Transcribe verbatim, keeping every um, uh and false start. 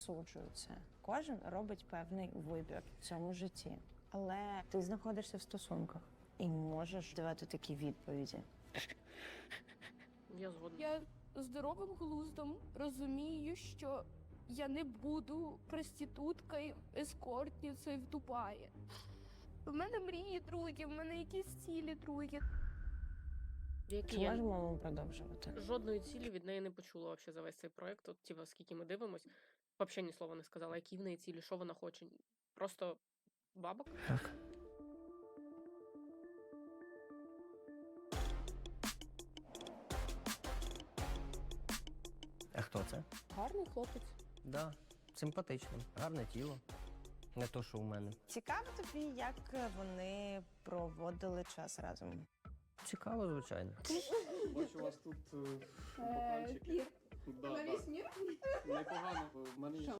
Суджую це. Кожен робить певний вибір в цьому житті. Але ти знаходишся в стосунках і можеш давати такі відповіді. Я згодна. Я здоровим глуздом розумію, що я не буду проституткою, ескортницею в Дубаї. У мене мрії другі, в мене якісь цілі другі. Які Чи я можемо ми продовжувати? жодної цілі від неї не почула вообще за весь цей проект. От, типа, скільки ми дивимось, взагалі ні слова не сказала, які в неї цілі, що вона хоче. Просто бабок. Так. А хто це? Гарний хлопець. Да, симпатичний, гарне тіло. Не то, що у мене. Цікаво тобі, як вони проводили час разом? Цікаво, звичайно. Бачу, у вас тут е, бокальчики. Пір. Да, да. Непогано. В мене є